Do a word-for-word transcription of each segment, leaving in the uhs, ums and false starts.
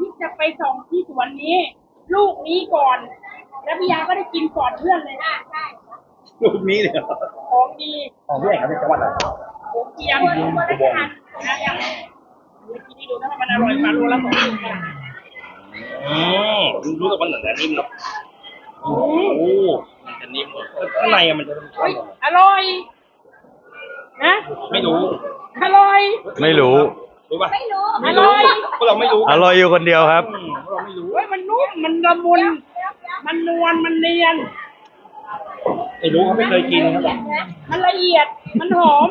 จะไปส่งที่สวนนี้ ลูกนี้ก่อน แล้วพี่ยาก็ได้กินก่อนเพื่อนเลยนะใช่ลูกนี้เลยของดีของพี่เอกครับเป็นจังหวัดอะไรผมเกียมผมได้ทานนะอย่างเมื่อกี้นี่ดูนะมันอร่อยมาโลละสองพันบาทอืมรู้สึกว่าหนังจะนิ่มเนาะโอ้มันจะนิ่มข้างในมันจะอร่อยนะไม่รู้อร่อยไม่รู้รู้ป่ะไม่รู้อร่อยพวกเราไม่รู้อร่อยอยู่คนเดียวครับพวกเราไม่รู้เฮ้ยมันนุ่มมันละมุนมันนวลมันเนียนไม่รู้เขาไม่เคยกินครับมันละเอียดมันหอม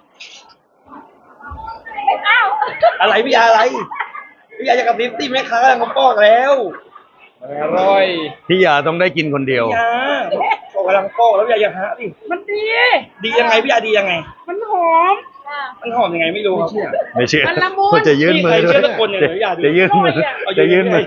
อ้าวอะไรพี่ยาอะไรพี่ยาจะกับลิฟตี้แม่ค้ากำลังมาปอกแล้วอร่อยพี่ยาต้องได้กินคนเดียวพี่ยาปอกกำลังปอกแล้วพี่ยาอย่าหาดิมันดีดียังไงพี่ยาดียังไงมันหอมมันหอมยังไงไม่รู้ครับไม่เชื่อมันละมุนจะยื่นมือด้วยจะยื่นมือจะยื่นมือ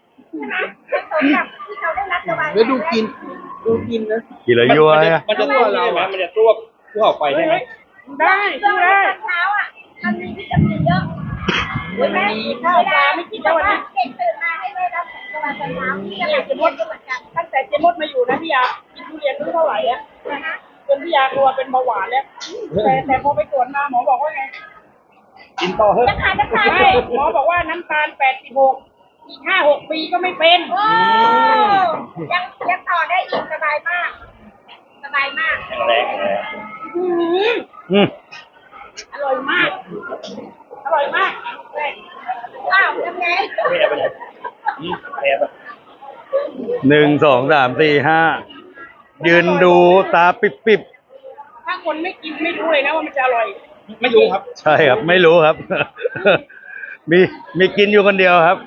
แล้วดูกินดูกินนะกินแล้วยั่วมันจะตัวเรามันจะตัวผู้ออกไปใช่ไหมได้ได้เช้าอ่ะมันมีวิตามินเยอะวันนี้ข้าวปลาไม่กินแล้ววันนี้เด็กตื่นมาให้แม่รับของตะวันตกเช้าที่เจมดก็เหมือนกันตั้งแต่เจมดมาอยู่นะพี่ยากินทุเรียนไม่เท่าไหร่อ่ะจนพี่ยากลัวเป็นเบาหวานแล้วแต่แต่พอไปตรวจมาหมอบอกว่าไงกินต่อเถอะน้ำตาลน้ำตาลหมอบอกว่าน้ำตาลแปดสิบหกอีกห้าหกปีก็ไม่เป็นยังยังต่อได้อีกสบายมากสบายมากแรงแรงอืมอร่อยมากอร่อยมากอ้าวทำไงแพ้ไปเลยแพ้ไปหนึ่งสองสามสี่ห้ายืนดูตาปิบปิบถ้าคนไม่กินไม่รู้เลยนะว่ามันจะอร่อยไม่รู้ครับใช่ครับไม่รู้ครับมีมีกินอยู่คนเดียวครับ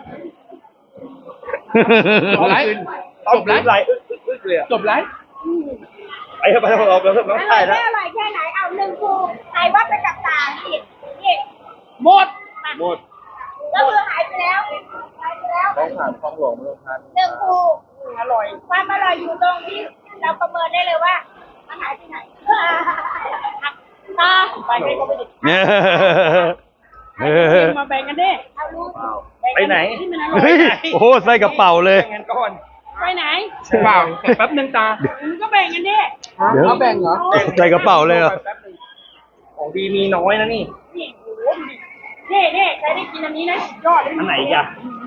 จบไลฟ์จบไลฟ์จบไลฟ์ไปเถอะไปเถอะเราเราเราถ่ายแล้วอร่อยแค่ไหนเอาหนึ่งคูหายวัดไปกับตาอีกนี่หมดหมดก็คือหายไปแล้วหายไปแล้วต้องผ่านคลองหลวงเมืองพันหนึ่งคูอร่อยความอร่อยอยู่ตรงที่เราประเมินได้เลยว่ามันหายไปไหนตาไปให้เขาไปดิมาแบ่งกันดิเอาลูกไปไหนโอ้โหใส่กระเป๋าเลยไปไหนเปล่าแป๊บนึงตาก็แบ่งกันดิเดี๋ยวแบ่งเหรอใส่กระเป๋าเลยเหรอของดีมีน้อยนะนี่นี่โอ้โหนี่นี่ใครได้กินอันนี้นะยอดเลยอันไหนจ้ะ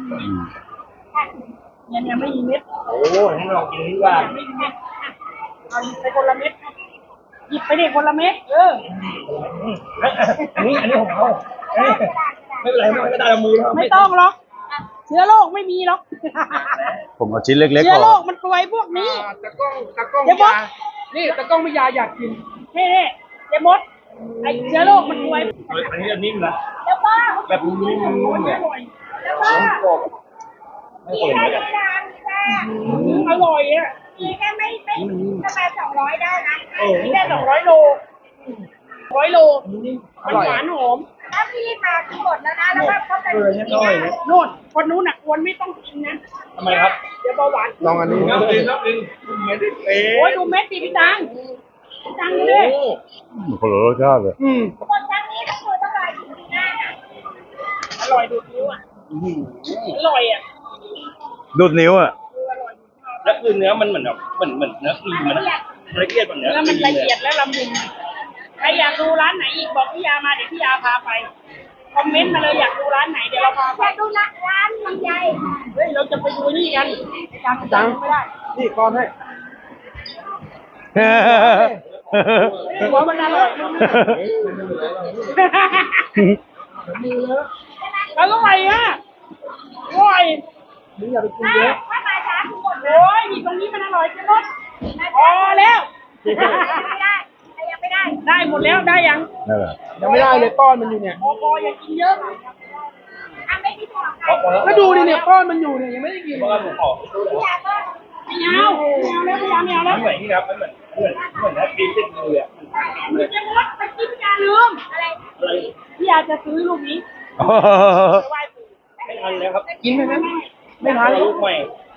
เนี่ยเนี่ยไม่มีเม็ดโอ้ให้ลองกินดีกว่าไม่มีเม็ดเอาหยิบไปคนละเม็ดหยิบไปดิคนละเม็ดเอออันนี้อันนี้ของเขาไม่เป็นไรไม่เป็นไรเอามือไม่ต้องหรอกเชื้อโรคไม่มีหรอกผมเอาชิ้นเล็กๆเชื้อโรคมันป่วยพวกนี้ตะก้องตะก้องยานี่ตะก้องไม่ยาอยากกินเฮ้เฮ้เจมดไอเชื้อโรคมันป่วยอันนี้นิ่มนะแล้วก็แบบนิ่มๆเนี่ยแล้วก็มีแค่นี้นะมีแค่อร่อยอ่ะมีแค่ไม่ไม่ประมาณสองร้อยได้นะมีแค่สองร้อยโลร้อยโลมันหวานหอมถ้าพี่มาทั้งหมดแล้วนะแล้วว่าเขาจะกินโน่นคนนู้นน่ะควรไม่ต้องกินนะทำไมครับเดี๋ยวเบาหวานลองอันนี้น้ำดินน้ำดินโอ้ยดูเม็ดดิพี่ตังพี่ตังดูดิคนละรสชาติเลยคนครั้งนี้ก็คือต้องรอกินปีหน้าอร่อยดูดนิ้วอ่ะอร่อยอ่ะดูดนิ้วอ่ะแล้วคือเนื้อมันเหมือนแบบเหมือนเหมือนเนื้อครีมมันละเอียดแบบเนื้อแล้วมันละเอียดและละมุนใครอยากดูร้านไหนอีกบอกพี่ยามาเดี๋ยวพี่ยาพาไปคอมเมนต์มาเลยอยากดูร้านไหนเดี๋ยวเราพาไปอยากดูร้านลำไยเฮ้ยเราจะไปดูนี่กันจังจังไม่ได้นี่ก้อนให้หัวมันอร่อยอร่อยอ่ะอร่อยนี่อย่าไปกินเยอะถ้ามาช้าทุกคนโอ้ยตรงนี้มันอร่อยจังเลยพอแล้วไม่ได้ยังไม่ได้ได้หมดแล้วได้ยังยังไม่ได้เลยก้อนมันอยู่เนี่ยพอพออย่ากินเยอะก็ดูดิเนี่ยก้อนมันอยู่เนี่ยยังไม่ได้กินเพราะว่าผมขอไม่เอาไม่เอาแล้วไม่เอาไม่เอาแล้วเหมือนนี่ครับมันเหมือนเหมือนเหมือนแอปเปิ้ลติดมืออ่ะมันจะมดไปกินพี่ยาลืมอะไรพี่ยาจะซื้อลูกนี้ไม่ทันแล้วครับกินไหมไหมไม่ทันลูกใหม่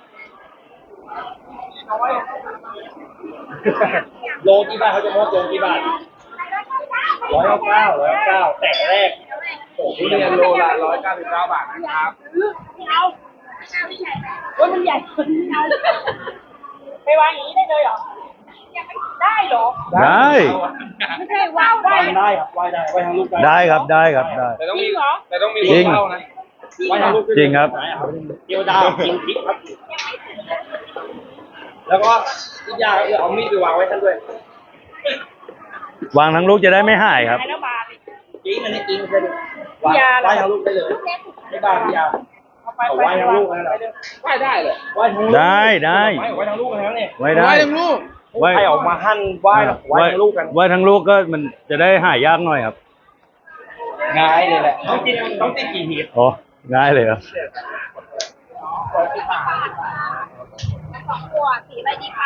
โลกี่บาทเขาจะมดโลกี่บาทร้อยเก้าร้อยเก้าแต่แรกโอ้โหเรียนโลละร้อยเก้าสิบเก้าบาทนะครับเอาโอ้ยมันใหญ่เกินไม่เอาไปวางอย่างนี้ได้เลยเหรอได้เหรอได้ไม่ใช่วางไหว้ได้ครับไหว้ได้ไหว้ทางลูกได้ได้ครับได้ครับได้แต่ต้องจริมีงเหรอแต่ต้องมีจริงเข้านะไหว้ทางลูกจริงครับเกี๊ยวดาวกินพริกครับ แล้วก็อีกอย่างคือเอามีดไปวางไว้ท่านด้วยวางทั้งลูกจะได้ไม่หายครับหายแล้วบาทจริงอันนี้จริงเลยไหว้ไหว้ทางลูกได้เลยไม่บ้าพี่ยาเอาไปเอาไปไหว้ทางลูกนะไหว้ได้เลยไหว้ทางลูกได้ได้ไหว้ไหว้ทางลูกกันแล้วเนี่ยไว้ได้ทางลูกไว้ใครออกมาหั่นไหว้ไหว้ทางลูกกันไว้ทั้งลูกก็มันจะได้หายยากหน่อยครับง่ายเลยแหละต้องกินต้องติดกี่หีบโอ้ง่ายเลยครับสองตัวสีอะไรดีคะ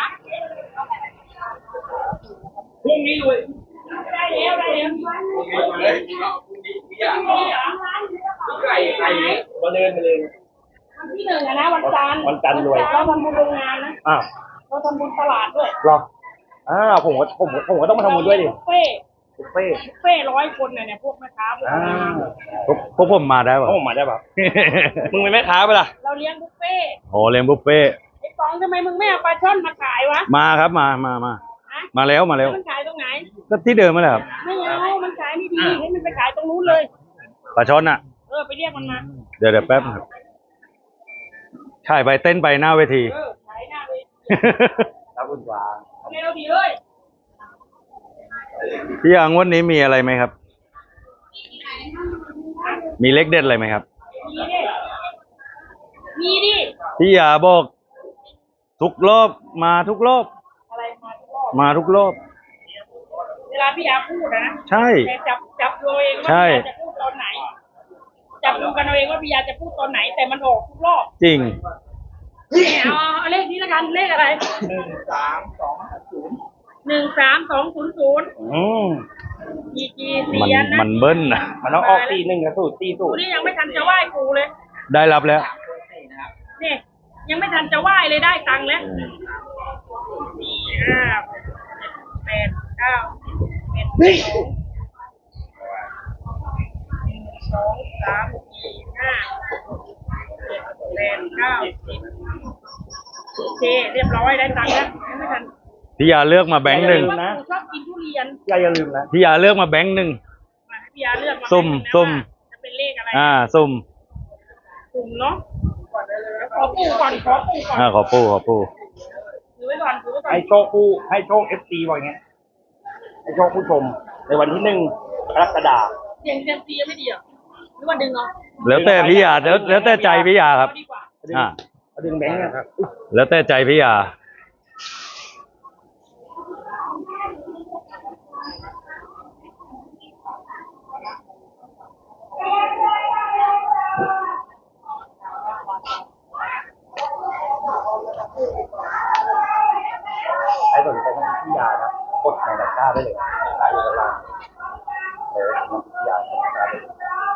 พรุ่งนี้รวยได้แล้วได้แล้วเลยพรุ่งนี้พี่ยาไก่ไก่มาเดินมาเลยวันที่หนึ่งอะนะวันจันทร์วันจันทร์รวยเราทำบุญโรงงานนะอ้าวเราทำบุญตลาดด้วยหรออ้าวผมก็ผมก็ผมก็ต้องมาทำบุญด้วยดิบุฟเฟ่ต์บุฟเฟ่ต์บุฟเฟ่ร้อยคนเนี่ยเนี่ยพวกแม่ค้าพวกอ่าพวกพวกผมมาได้ป่ะเขาผมมาได้ป่ะมึงเป็นแม่ค้าปะล่ะเราเลี้ยงบุฟเฟ่ต์โอ้เลี้ยงบุฟเฟ่ต์ไอ้ปองทำไมมึงไม่เอาปลาช่อนมาขายวะมาครับมามามาฮะมาแล้วมาแล้วมันขายตรงไหนก็ที่เดิมมาแหละครับไม่เอามันขายไม่ดีให้มันไปขายตรงนู้นเลยปลาช้อนอ่ะเออไปเรียกมันมาเดี๋ยวเดี๋ยวแป๊บครับถ่ายไปเต้นไปหน้าเวทีเออขายหน้าเลยครับคุณกวางเอาเร็วดีเลยพี่อังวันนี้มีอะไรไหมครับ มีเลขเด็ดอะไรไหมครับมีดิมีดิพี่ยาบอกทุกรอบมาทุกรอบอะไรมาทุกรอบมาทุกรอบเวลาพี่ยาพูดนะใช่แต่จับจับตัวเองว่าใช่พี่ยาจะพูดตอนไหน จับดูกันเอาเองว่าพี่ยาจะพูดตอนไหน แต่มันออกทุกรอบจริงเนี่ยเอาเอาเลขนี้ละกันเลขอะไรหนึ่งสามสองศูนย์หนึ่งสามสองศูนย์ศูนย์อืมจีจีมันเสียนนะมันเบิ้ลนะมันต้องออกตีหนึ่งกับสูตรตีสูกูตรนี่ยังไม่ทันจะไหว้กูเลยได้รับแล้วเนี่ยยังไม่ทันจะไหว้เลยได้ตังค์แล้วสี่ห้าแปดเก้าสิบเอ็ดสองหนึ่งสองสามสี่ห้าเจ็ดแปดเก้าสิบโอเคเรียบร้อยได้ตังค์แล้วยังไม่ทันพี่ยาเลือกมาแบงค์หนึ่งว่ากูชอบกินทุเรียนอย่าอย่าลืมนะพี่ยาเลือกมาแบงค์หนึ่งมาให้พี่ยาเลือกมาสุ่มให้นะสุ่มว่าจะเป็นเลขอะไรอ่าสุ่มสุ่มเนาะขอปูก่อนขอปูก่อนอ่าขอปูขอปูถือไว้ก่อนถือไว้ก่อนให้โชคผู้ให้โชคเอฟซีว่าอย่างเงี้ยให้โชคผู้ชมในวันที่หนึ่งกรกฎาคมเสียงเซียมซีไม่ดีเหรอหรือว่าดึงเอาแล้วแต่พี่ยาแล้วแล้วแต่ใจพี่ยาครับเอาดีกว่าอ่าเอาดึงแบงค์นะครับแล้วแต่ใจพี่ยาใครสนใจน้ำพิยานะกดในตะกร้าได้เลยตะกร้าอยู่ด้านล่างเออน้ำพิยาตะกร้าได้เลย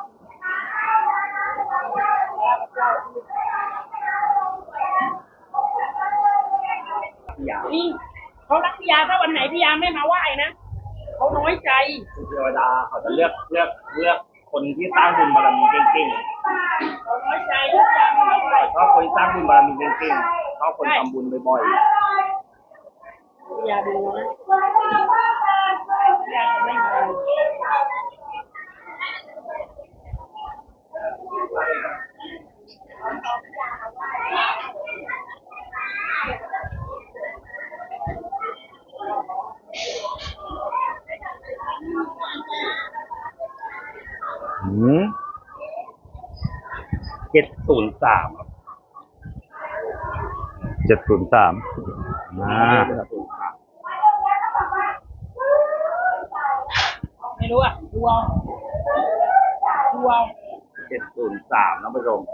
พิยานี่เขารักพี่ยาถ้าวันไหนพี่ยาไม่มาไหว้นะเขาน้อยใจคือเทวดาเขาจะเลือกเลือกเลือกคนที่สร้างบุญบารมีเก่งเขาน้อยใจทุกอย่างไม่ไหวๆชอบคนที่สร้างบุญบารมีเก่งๆชอบคนทำบุญบ่อยพี่ยาดูนะพี่ยาจะไม่มาอืมๆเจ็ดศูนย์สามครับเจ็ดศูนย์สามอ่าเจ็ดศูนย์สามไม่รู้อ่ะดูเอาดูเอาเจ็ดศูนย์สามน้องผู้ชม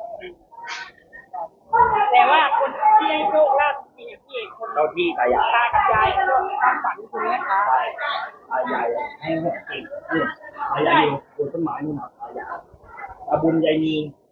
แต่ว่าคนที่ให้โชคลาภจริงๆพี่เอกคนเจ้าที่ตายายตากับยายก็ความฝันคือแม่ค้าตายายให้หกเก่งเนี่ยตายายอยู่บนต้นไม้นู่นนะตายายตาบุญยายมี